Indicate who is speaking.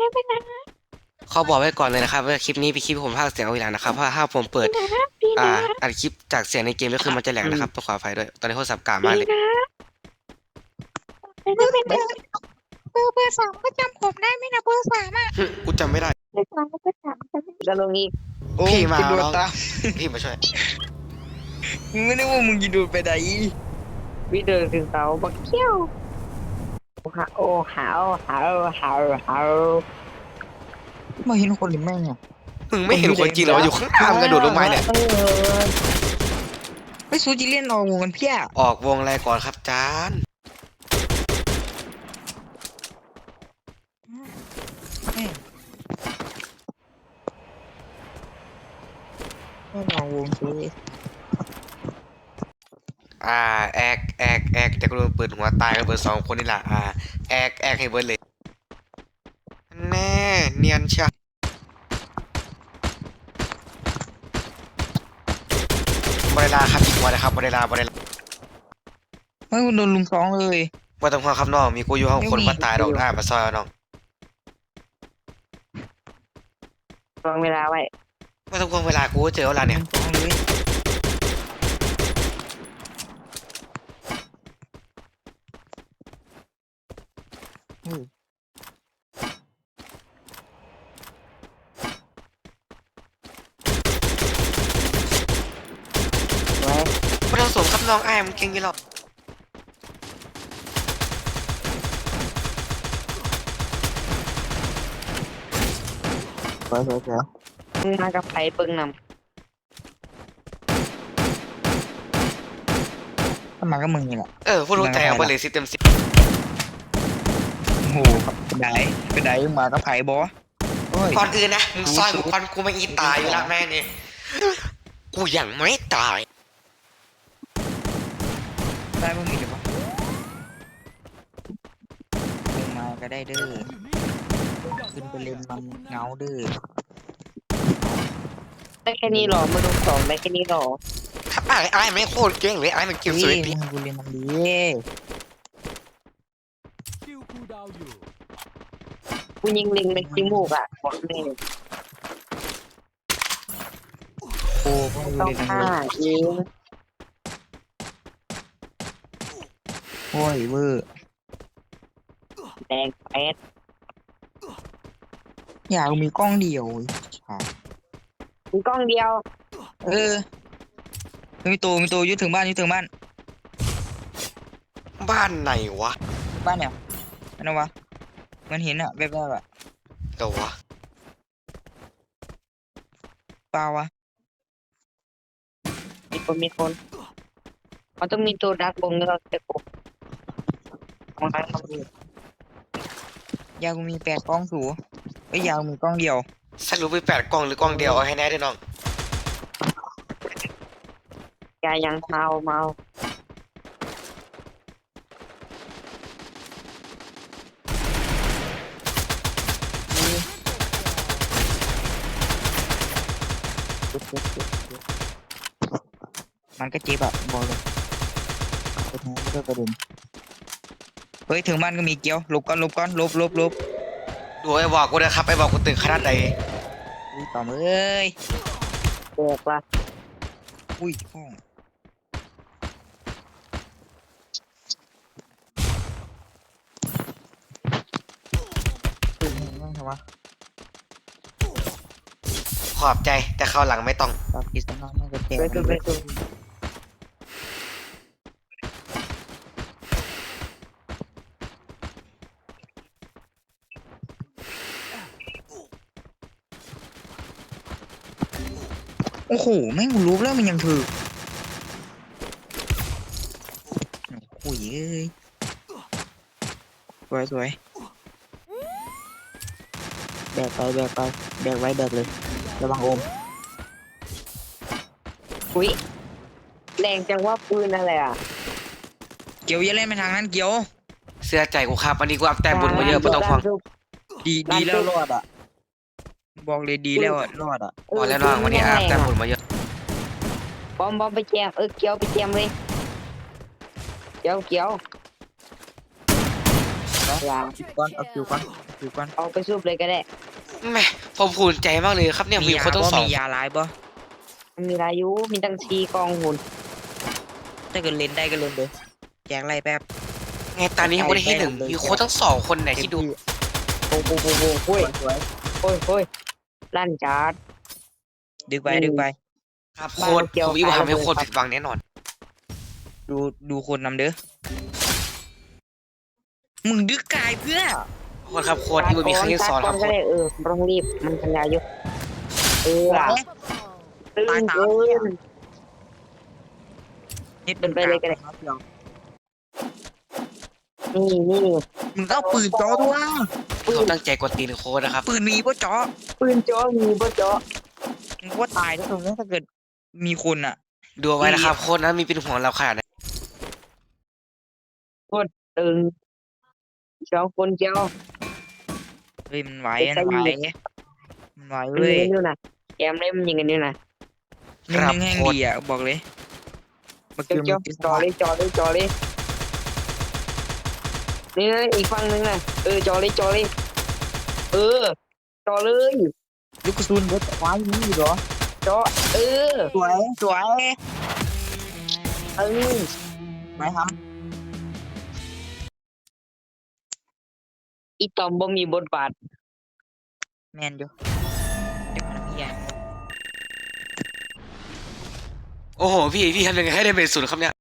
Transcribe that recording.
Speaker 1: ไปนะ
Speaker 2: เขาบอกไว้ก่อนเลยนะครับว่าคลิปนี้เป็นคลิปที่ผมพากย์เสียงเอาไว้แล้วนะครับเพราะถ้าผมเปิด
Speaker 1: ดีนะดี
Speaker 2: อ่า
Speaker 1: นะ
Speaker 2: อัดคลิปจากเสียงในเกมก็คือมันจะแหลกนะครับต้องขออภัยด้วยตอนนี้โทรศัพท์กาก
Speaker 1: ดี
Speaker 2: มากเลย
Speaker 1: นะเบอร์สามก็จำผมได้ไหมนะเบอร์สามอ่ะ
Speaker 2: กูจำไม่ได้
Speaker 1: เบอร์สามเบอร์สามจำไม่ได้
Speaker 3: จะลงอีก
Speaker 4: โอ้
Speaker 2: พี่มา
Speaker 4: จะโดน
Speaker 2: น้อง
Speaker 4: ตาม
Speaker 2: พี่มาช่วย
Speaker 4: มึงไม่ได้ว่ามึงจะโดนไปไหน
Speaker 3: วิเดินถึงเสาบักเขี้ยวหาโอ้หาวหาวหาวหาว
Speaker 4: มาเห็นคนหรือไม่เนี่ย
Speaker 2: มึงไม่เห็นคนจริงเหรออยู่ข้างล่างกระโดดลงมาเนี่ย
Speaker 4: ไม่สู้จีเล่นออกวงกันเพี้ย
Speaker 2: ออกวงอะไรก่อนครับจาน
Speaker 4: ไม่ออกวงสิ
Speaker 2: แอกแต่กูโดนปืนหัวตายกันเบอร์สองคนนี่แหละแอกให้เบิร์ดเลยแน่เนียนเชียบริลาครับอีกวันนะครับบริลา
Speaker 4: ไม่โดนลุมสองเลย
Speaker 2: ว่าต้องห่วงครับน้องมีกูอยู่ห้องคนมาตายดอกหน้ามาซอยเอาน้อง
Speaker 3: วางเวลาไว้
Speaker 2: ไม่ต้องห่วงเวลากูเจอเวลาเนี่ย
Speaker 4: ลุมสองเลยอืม
Speaker 3: ไว้
Speaker 2: ไม่ต้องสวมครับน้องมึงเก่งยี่หรอก
Speaker 4: สวย
Speaker 3: มึงมากับไผ่เบิ่งน
Speaker 4: ถ้ามาก็มึงนี่แหละ
Speaker 2: พูดรู้ใจเอาไปเลย10 เต็ม 10
Speaker 4: โอ้โหไปไหนมาก็ไผ่บอโอ้ย
Speaker 2: ก่อนอื่นนะมึงซอยกูก่อนกูไม่อีตายอยู่แล้วแม่นี่กูยังไม่ตาย
Speaker 4: ได้บ้างมีหรือเปล่าลงมาก็ได้เด้อขึ้นไปเล่นมันเงาเด้อ
Speaker 3: ำได้แค่นี้หรอมาดูสองได้แค่นี้หรอ
Speaker 2: ครับไม่โคตรเก่งเลยมันเก่งสุด
Speaker 4: เฮ้ย
Speaker 2: พี่
Speaker 4: มึงกูเล่นมันดี
Speaker 5: คิวคูลดาวน์อยู่
Speaker 3: กูยิงลิงในขี้มูกอ่ะบอกเลย
Speaker 4: โอ้พวกกู
Speaker 3: ต้อง
Speaker 4: เล่นมัน
Speaker 3: ฆ่า
Speaker 4: ดี
Speaker 3: ยิง
Speaker 4: โอ้ยเวอร์
Speaker 3: แดงแป๊ด
Speaker 4: อยากมีกล้องเดียวอ่ะ
Speaker 3: มีกล้องเดียว
Speaker 4: เออมีตัวยึดถึงบ้าน
Speaker 2: บ้านไหนวะ
Speaker 4: บ้านเนี่ยอันนั้นวะมันเห็นอะแวบๆอะ
Speaker 2: เดี๋ยววะ
Speaker 4: เปล่าวะ
Speaker 3: มีคนมันต้องมีตัวดักบงแล้วเราจะกบของใครของ
Speaker 4: ยากูมี8 กล้องสูไอ้ยยากูมีกล้องเดียว
Speaker 2: สรุปไป8 กล่องหรือกล่องเดียวเอาให้แน่ด้วยน้อง
Speaker 3: ยายังเมา
Speaker 4: มันก็เจ็บอะบอกเลยไปทางก็ได้ประเด็นเฮ้ยถึงบ้านก็มีเกี้ยวหลบก่อนหลบ
Speaker 2: ดูไอ้บอกกูนะครับไอ้บอกกูตึงขนาดใด
Speaker 4: อุ้ยต่อมเอ้ย
Speaker 3: แตกว่ะ
Speaker 4: อุ้ยห้องตื่นบ้างเถอะวะ
Speaker 2: ขอบใจแต่คราวหลังไม่ต้อง
Speaker 4: ตอนกินสนองมันก็แตก
Speaker 3: ไปดู
Speaker 4: โอ้โหแม่งกูรู้แล้วมันยังถือโอ้ยเอ้ยสวยแบกไปแบกไว้แบกเลยระวังโอม
Speaker 3: อุ้ยแรงจังว่าปืนอะไรอ่ะ
Speaker 4: เกียวอย่าเล่นไปทางนั้นเกียว
Speaker 2: เสื้อใจกูครับวันนี้กูอัพแต้มบุญมาเยอะไม่ต้องห่วง
Speaker 4: ดีแล้วรอดอ่ะบอกเลยดีแล้วอะรอดอ่ะ
Speaker 2: พอแล้วน้องวันนี้อัพแต้มบุญมาเยอะ
Speaker 3: บอมไปแจมเกียวไปแจมเลยเกียว
Speaker 4: เอาคิวก่อนอยู่ก่อน
Speaker 3: เอาไปซุบเลยก็ได้
Speaker 2: แหม่ผมภูมิใจมากเลยครับเนี่ยมีคนต้องสอง
Speaker 4: มียาลายบ่
Speaker 3: มันมีอายุมีตั้งชีกองหุ่น
Speaker 4: ถ้าเกิดเล่นได้ก็เล่นเลยแจกไรแป๊บ
Speaker 2: ไงตอนนี้ยังไม่ได้ที่หนึ่งมีคนทั้งสองคนไหนที่ดู
Speaker 3: โอ้โหโอ้โหโอ้ยโอ้ยโอ้ยลั่นจัด
Speaker 4: ดึกไปดึกไป
Speaker 2: ครับโค้ดผมอีกว่าทำให้โค้ดผิดหวังแน่นอน
Speaker 4: ดูคนนำเด้อมึงดึกกายเพื่อ
Speaker 2: โค้ดครับโค้ดอีกว่ามีครั้งที่สองครับ
Speaker 3: ก็
Speaker 2: โค้ด
Speaker 3: ได้ต้องรีบมันปัญญาอยู่ล่ะตึงเกิน
Speaker 4: นิด
Speaker 3: เป็นไปเลยก็ได้ นี่
Speaker 4: มึงต้องปืนจ่อตัว
Speaker 2: เขาตั้งใจกดตีนโค้ดนะครับ
Speaker 4: ปืนมีป่ะจ่อ
Speaker 3: ปืนจ่อมีบ่จ่อ
Speaker 4: มึงว่าตายแล้วตรงนี้ถ้าเกิดมีคนอ่ะ
Speaker 2: ดูเอาไว้นะครับโค้ดนั้นมีเป็นห่วงเราขนาดไหน
Speaker 3: ตึงสองคนเจ้า
Speaker 4: เฮ้ยมันไหวมันไหวมันไหว
Speaker 3: มัน
Speaker 4: เว้
Speaker 3: ยิ
Speaker 4: ย
Speaker 3: งกันอยู่นะแกมเล่มยิงกันอยู่นะ
Speaker 2: ครับ
Speaker 4: แห้ง
Speaker 2: โค้ด
Speaker 4: ดีอ่ะบอกเลยมา
Speaker 3: เจ้า
Speaker 4: เกี่ยวมัน
Speaker 3: จ่อเลยนี่นะอีกฝั่งนึงนะจ่อเลยจ่อเลย
Speaker 4: ลูกกระสุนเบิดไว้นี่เหรอ
Speaker 3: จ่อ
Speaker 4: สวยสวย
Speaker 3: เออ
Speaker 4: ไหมครับ
Speaker 3: อีตอมบ่มีบทบาท
Speaker 4: แมนอยู่เดี๋ยวมันพี่ใหญ่
Speaker 2: โอ้โหพี่ทำยังไงให้ได้เป็นศูนย์ครับเนี่ย